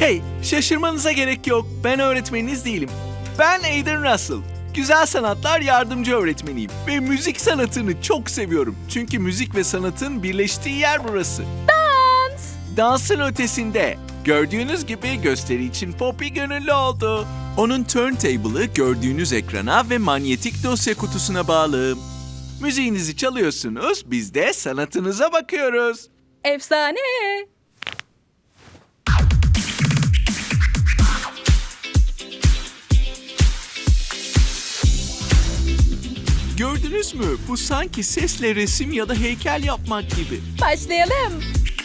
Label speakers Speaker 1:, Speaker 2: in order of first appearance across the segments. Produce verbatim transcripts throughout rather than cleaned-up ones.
Speaker 1: Hey, şaşırmanıza gerek yok. Ben öğretmeniniz değilim. Ben Aiden Russell. Güzel sanatlar yardımcı öğretmeniyim. Ve müzik sanatını çok seviyorum. Çünkü müzik ve sanatın birleştiği yer burası.
Speaker 2: Dans.
Speaker 1: Dansın ötesinde. Gördüğünüz gibi gösteri için Poppy gönüllü oldu. Onun turntable'ı gördüğünüz ekrana ve manyetik dosya kutusuna bağlı. Müziğinizi çalıyorsunuz, biz de sanatınıza bakıyoruz.
Speaker 2: Efsane.
Speaker 1: Gördünüz mü? Bu sanki sesle resim ya da heykel yapmak gibi.
Speaker 2: Başlayalım.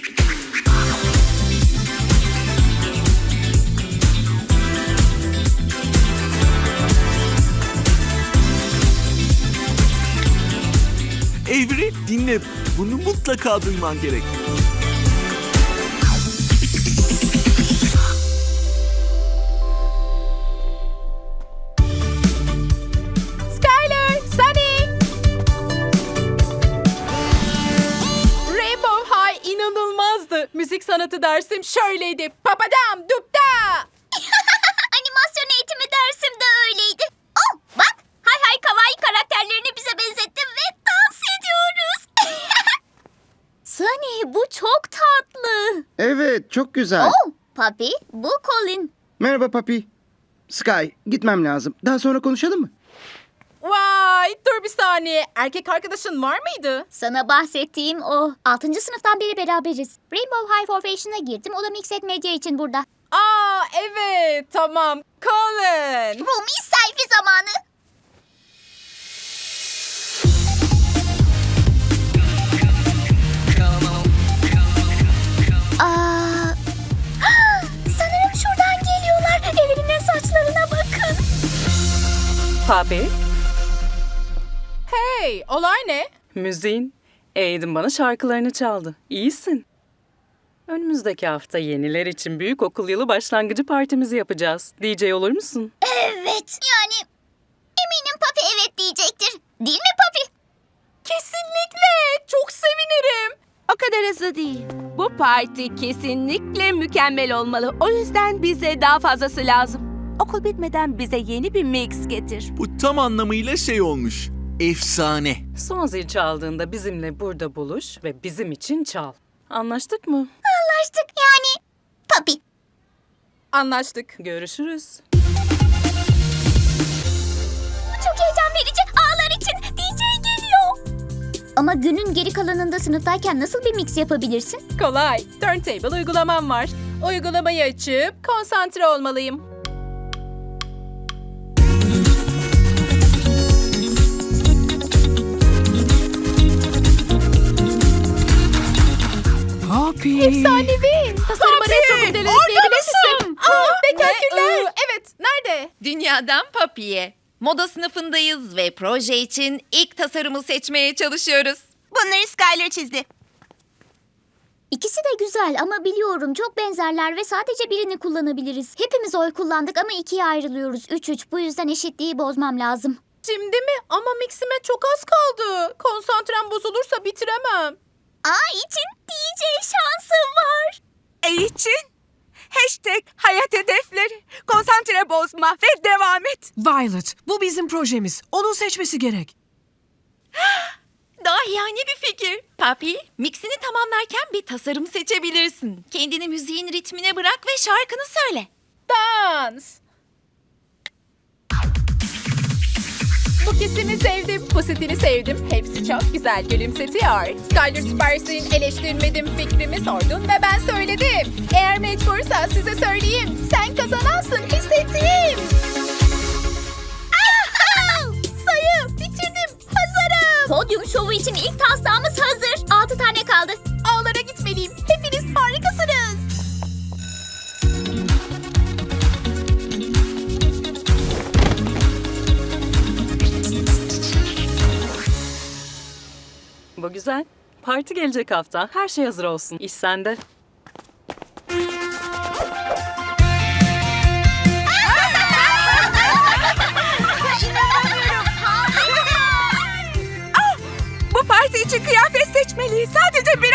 Speaker 1: Avery, dinle. Bunu mutlaka duyman gerek.
Speaker 2: Skyler, Sunny. Rainbow High inanılmazdı. Müzik sanatı dersim şöyleydi. Papadam dupta.
Speaker 3: Animasyon eğitimi dersim de öyleydi. Oh bak, hay hay kawaii karakterlerini bize benzettim ve dans ediyoruz. Sunny, bu çok tatlı.
Speaker 4: Evet, çok güzel.
Speaker 3: Oh, Papi, bu Colin.
Speaker 4: Merhaba Papi. Sky, gitmem lazım. Daha sonra konuşalım mı?
Speaker 2: Vay, dur bir saniye. Erkek arkadaşın var mıydı?
Speaker 3: Sana bahsettiğim o. Altıncı sınıftan beri beraberiz. Rainbow High Formation'a girdim. O da Mixed Media için burada.
Speaker 2: Aa, evet, tamam. Colin.
Speaker 3: Rumi selfie zamanı. Aa, sanırım şuradan geliyorlar. Evrim'in saçlarına bakın.
Speaker 5: Papi,
Speaker 2: Hey, olay ne?
Speaker 5: müziğin. Aiden bana şarkılarını çaldı. İyisin. Önümüzdeki hafta yeniler için büyük okul yılı başlangıcı partimizi yapacağız. D J olur musun?
Speaker 3: Evet. Yani eminim Papi evet diyecektir. Değil mi Papi?
Speaker 2: Kesinlikle. Çok sevinirim.
Speaker 6: O kadar hızlı değil. Bu parti kesinlikle mükemmel olmalı. O yüzden bize daha fazlası lazım. Okul bitmeden bize yeni bir mix getir.
Speaker 1: Bu tam anlamıyla şey olmuş. Efsane.
Speaker 5: Son zil çaldığında bizimle burada buluş ve bizim için çal. Anlaştık mı?
Speaker 3: Anlaştık yani. Papi.
Speaker 2: Anlaştık.
Speaker 5: Görüşürüz.
Speaker 3: Çok heyecan verici. Ağlar için D J geliyor. Ama günün geri kalanında sınıftayken nasıl bir mix yapabilirsin?
Speaker 2: Kolay. Turntable uygulamam var. Uygulamayı açıp konsantre olmalıyım. Efsanevi. Tasarıma retro modeli ekleyebilirsin. Aa, bekaküller. Evet, nerede?
Speaker 7: Dünyadan Papi'ye. Moda sınıfındayız ve proje için ilk tasarımı seçmeye çalışıyoruz.
Speaker 3: Bunları Skyler çizdi. İkisi de güzel ama biliyorum çok benzerler ve sadece birini kullanabiliriz. Hepimiz oy kullandık ama ikiye ayrılıyoruz. Üç üç. Bu yüzden eşitliği bozmam lazım.
Speaker 2: Şimdi mi? Ama mixime çok az kaldı. Konsantrem bozulursa bitiremem.
Speaker 3: A için D J şansı var.
Speaker 6: E için? Hashtag hayat hedefleri. Konsantre bozma ve devam et.
Speaker 8: Violet, bu bizim projemiz. Onun seçmesi gerek.
Speaker 7: Daha yani bir fikir. Papi, mixini tamamlarken bir tasarım seçebilirsin. Kendini müziğin ritmine bırak ve şarkını söyle.
Speaker 2: Dans. Bu kesimi sevdim, bu stili sevdim. Hepsi çok güzel gülümsetiyor. Skyler süpersin, eleştirmedim, fikrimi sordun ve ben söyledim. Eğer mecbursa size söyleyeyim. Sen kazanansın, hissettiğim. Sayı, bitirdim, hazırım.
Speaker 3: Podyum şovu için ilk taslağımız hazır. Altı tane kaldı.
Speaker 2: Ağlara gitmeliyim, hepiniz harikasınız.
Speaker 5: Bu güzel. Parti gelecek hafta. Her şey hazır olsun. İş sende.
Speaker 6: Bu parti için kıyafet seçmeliyiz. Sadece bir